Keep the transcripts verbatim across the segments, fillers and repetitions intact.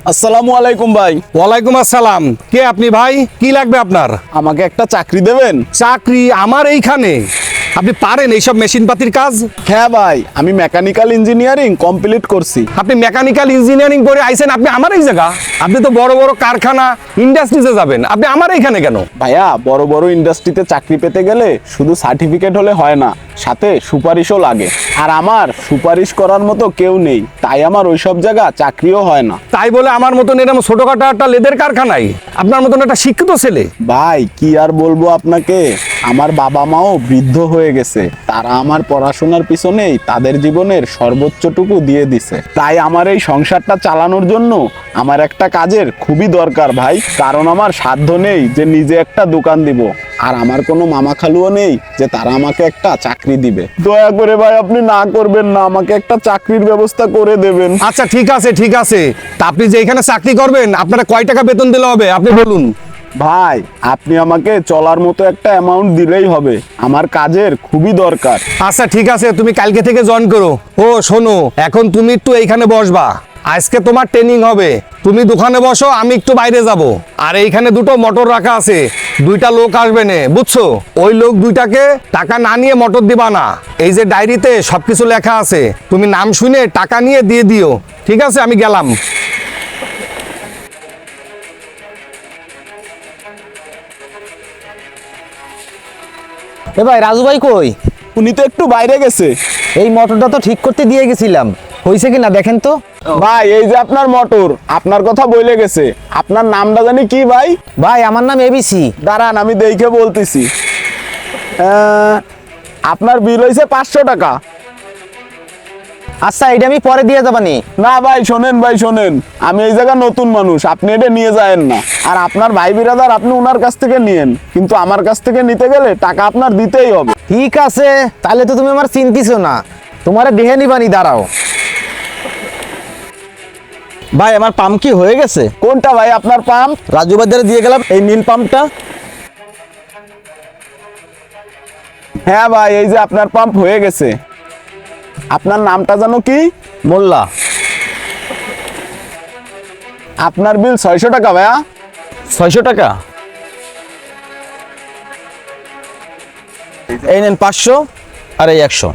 আসসালামু আলাইকুম ভাই। ওয়ালাইকুম আসসালাম। কে আপনি ভাই? কি লাগবে আপনার? আমাকে একটা চাকরি দেবেন? চাকরি আমার এইখানে? আপনি পারেন এইসব মেশিনপাতির কাজ? হ্যাঁ ভাই, আমি মেকানিক্যাল ইঞ্জিনিয়ারিং কমপ্লিট করছি। আপনি মেকানিক্যাল ইঞ্জিনিয়ারিং করে আইছেন, আপনি আমার এই জায়গা? আপনি তো বড় বড় কারখানা ইন্ডাস্ট্রিতে যাবেন, আপনি আমার এইখানে কেন? ভাইয়া, বড় বড় ইন্ডাস্ট্রিতে চাকরি পেতে গেলে শুধু সার্টিফিকেট হলে হয় না, সাথে সুপারিশও লাগে। আর আমার সুপারিশ করার মতো কেউ নেই, তাই আমার ওইসব জায়গা চাকরিও হয় না। তাই বলে আমার মতন এরকম ছোটখাটো একটা লেদের কারখানায় আপনার মতন একটা শিক্ষিত ছেলে? ভাই কি আর বলবো আপনাকে, আমার বাবা মাও বৃদ্ধ হয়ে গেছে, তারা আমার পড়াশোনার পিছনেই তাদের জীবনের সর্বোচ্চটুকু দিয়ে দিছে। তাই আমার এই সংসারটা চালানোর জন্য আমার একটা কাজের খুবই দরকার ভাই, কারণ আমার সাধ্য নেই যে নিজে একটা দোকান দিব, আর আমার কোনো মামা খালুও নেই যে তারা আমাকে একটা চাকরি দিবে। দয়া করে ভাই আপনি না করবেন না, আমাকে একটা চাকরির ব্যবস্থা করে দেবেন। আচ্ছা ঠিক আছে ঠিক আছে, তা আপনি যে এখানে চাকরি করবেন আপনারা কয় টাকা বেতন দিলে হবে আপনি বলুন। ভাই আপনি আমাকে চলার মতো একটা অ্যামাউন্ট দিলেই হবে, আমার কাজের খুবই দরকার। আচ্ছা ঠিক আছে, তুমি কালকে থেকে জয়েন করো। ও শোনো, এখন তুমি একটু এইখানে বসবা, আজকে তোমার ট্রেনিং হবে। তুমি দোকানে বসো, আমি একটু বাইরে যাব। আর এইখানে দুটো মোটর রাখা আছে, দুইটা লোক আসবে না, বুঝছো? ওই লোক দুইটাকে টাকা না নিয়ে মোটর দিবা না। এই যে ডায়েরিতে সবকিছু লেখা আছে, তুমি নাম শুনে টাকা নিয়ে দিয়ে দিও, ঠিক আছে? আমি গেলাম। এ ভাই, রাজু ভাই কই? উনি তো একটু বাইরে গেছে। এই মোটরটা তো ঠিক করতে দিয়ে গেছিলাম, হয়েছে কিনা দেখেন তো। ভাই এই যে আপনার মোটর, আপনার কথা বলে গেছে। আপনার নামটা জানি কি ভাই? ভাই আমার নাম এবিসি। দাঁড়ান আমি দেখে বলতেছি। আহ, আপনার বিল হয়েছে পাঁচশো টাকা। আচ্ছা এটা আমি পরে দিয়ে যাবানি। না ভাই শোনেন, ভাই শোনেন, আমি এই জায়গা নতুন মানুষ, আপনি এটা নিয়ে যায়েন না। আর আপনার ভাই বিরাদার আপনি ওনার কাছ থেকে নিয়েন, কিন্তু আমার কাছ থেকে নিতে গেলে টাকা আপনার দিতেই হবে। ঠিক আছে, তাহলে তো তুমি আমার চিন্তিছো না, তোমারে দেখে নিবানি, দাঁড়াও। ভাই আমার পাম্প কি হয়ে গেছে? কোনটা ভাই আপনার পাম্প? রাজু বাজারে দিয়ে গেলাম এই নীল পাম্পটা। হ্যাঁ ভাই, এই যে আপনার পাম্প হয়ে গেছে। আপনার নামটা জানো কি? মোল্লা। আপনার বিল ছয়শো টাকা ভাইয়া। ছয়শো টাকা? এই নেন পাঁচশো, আর এই একশো।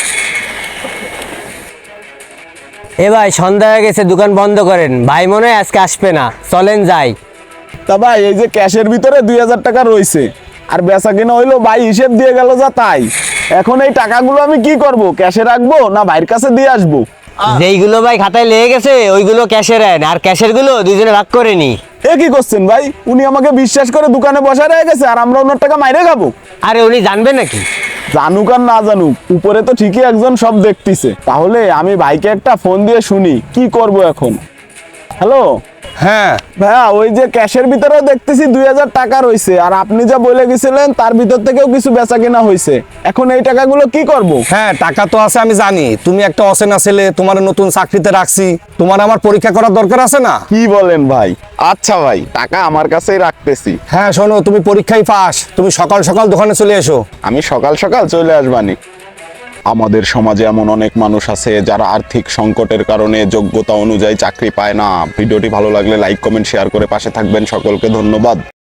এ ভাই সন্ধ্যা হয়ে গেছে, দোকান বন্ধ করেন। ভাই মনে হয় আজকে আসবে না, চলেন যাই। তা ভাই এই যে ক্যাশের ভিতরে দুই হাজার টাকা রয়েছে, আর বেচা কিনা হইলো ভাই হিসেব দিয়ে গেল যা তাই। এখন এই টাকাগুলো আমি কি করব? ক্যাশে রাখবো না ভাইয়ের কাছে দিয়ে আসবো? যেইগুলো ভাই খাতায় লেগে গেছে ওইগুলো ক্যাশে নেন, আর ক্যাশের গুলো দুইজনে ভাগ করে নি। এ কি করছেন ভাই? উনি আমাকে বিশ্বাস করে দোকানে বসে রয়ে গেছে, আর আমরা ওনার টাকা মাইরে খাবো? আরে উনি জানবে নাকি? জানুক আর না জানুক, উপরে তো ঠিকই একজন সব দেখতেছে। তাহলে আমি ভাইকে একটা ফোন দিয়ে শুনি কি করব এখন। হ্যালো হ্যাঁ ভাইয়া, ওই যে ক্যাশের ভিতরেও দেখতেছি দুই হাজার টাকা রয়েছে, আর আপনি যা বলে গেছিলেন তার ভিতর থেকেও কিছু বেচা কেনা হয়েছে। এখন এই টাকাগুলো কি করব? হ্যাঁ, টাকা তো আছে, আমি জানি। তুমি একটা অচেনা ছেলে, তোমার নতুন চাকরিতে রাখছি, তোমার আমার পরীক্ষা করার দরকার আছে না? কি বলেন ভাই? আচ্ছা ভাই, টাকা আমার কাছেই রাখতেছি। হ্যাঁ শোনো, তুমি পরীক্ষায় পাস, তুমি সকাল সকাল দোকানে চলে এসো। আমি সকাল সকাল চলে আসবানি। আমাদের সমাজে এমন অনেক মানুষ আছে যারা আর্থিক সংকটের কারণে যোগ্যতা অনুযায়ী চাকরি পায় না। ভিডিওটি ভালো লাগলে লাইক কমেন্ট শেয়ার করে পাশে থাকবেন। সকলকে ধন্যবাদ।